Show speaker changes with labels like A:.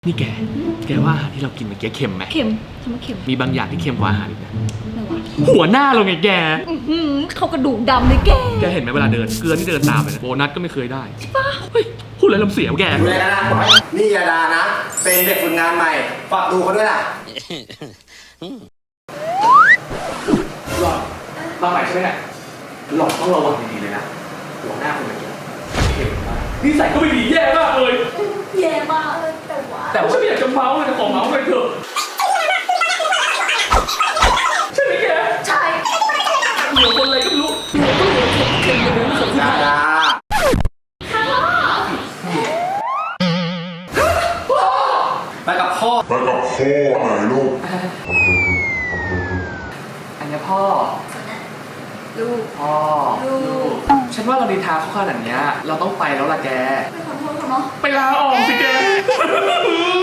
A: นี่แกว่าอาหารที่เรากินเมื่อกี้เค็มไหม
B: เค็มทำไมเค็ม
A: มีบางอย่างที่เค็มกว่าอาหารอีกนะ
B: อะไรวะ
A: หัวหน้าเราไงแก
B: เขากระดูกดำเลยแก
A: แกเห็นไหมเวลาเดินเกลือนี่เดินตามเลยนะโบนัสก็ไม่เคยได้เฮ้ยพูดอะไรลำเสียวแก
C: ดูแลนะนี่ยาดานะ เป็นเด็กฝึกงานใหม่ ฝากดูเขาด้วยล่ะ
A: หลอดมาใหม่ใช่ไหมเนี่ยหลอดต้องระวังดีๆเลยนะหัวหน้าคนเมื่อกี้เค็มมากนิสัยก็ไม่ดีแย่มากเลย
B: แย่มากเลยแต่ว่า
A: แต่ว่าฉันไม่อยากจะเมาส์เลยแต่ขอเมาส์เลยเถอะใช่ไหมแก
B: ใช่
A: เหลือคนอะไรก็ไม่รู้เหลือก็เหลือเค็มเลยนะสม
C: ยาดาไปกับพ่อ
D: ไปกับพ่อหน่อยลูก
A: อันนี้พ่อ
B: ลูก
A: พ่อ
B: ลูก
A: ฉันว่าเราดีทาเขาขนาดเนี้ยเราต้องไปแล้วล่ะแก
B: ไม่ขอโทษเขาเนาะ
A: ไปลาออกสิแก